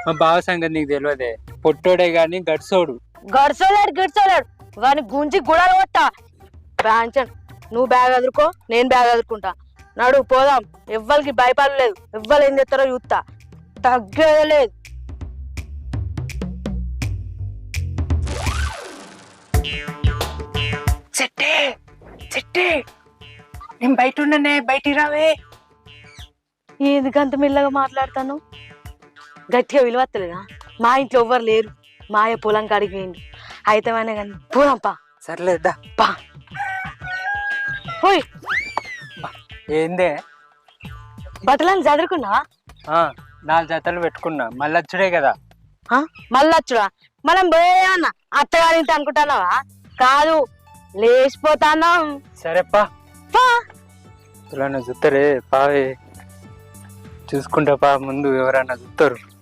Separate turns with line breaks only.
మా బావ సంగతి నీకు తెలియదే, పొట్టోడే గాని గడిసోడు.
గడిచోలేడు వాని గుంజి గుడాలు కొట్టా బ్రాంచన్. నువ్వు బ్యాగ్ అదురుకో, నేను బ్యాగ్ అదురుకుంటా. నడు పోదాం. ఎవ్వరికి భయపడలేదు, ఎవ్వరు ఏం చేస్తారో చూస్తా. తగ్గేదే లేదు.
చెట్టే చెట్టే, నేను బయట ఉన్నానే, బయటికి రావే.
ఎందుకంత మెల్లగా మాట్లాడతాను? గట్టిగా విలువత్తలేదా? మా ఇంట్లో ఎవ్వరు లేరు. మాయ పొలం కాడికి పోయింది. అయితే కానీ పోదాంపా.
సర్లేదా
పా పోయి.
ఏందే?
బట్టలని చదువుకున్నా.
4 జతలు పెట్టుకున్నా, మళ్ళీ వచ్చుడే కదా.
మళ్ళొచ్చుడా? మనం పోయేయన్నా అత్తగారింటి అనుకుంటున్నావా? కాదు, లేచిపోతాను.
సరేపా, ఇలా చూస్తారే పావే, చూసుకుంటా పా. ముందు ఎవరన్నా చూస్తారు.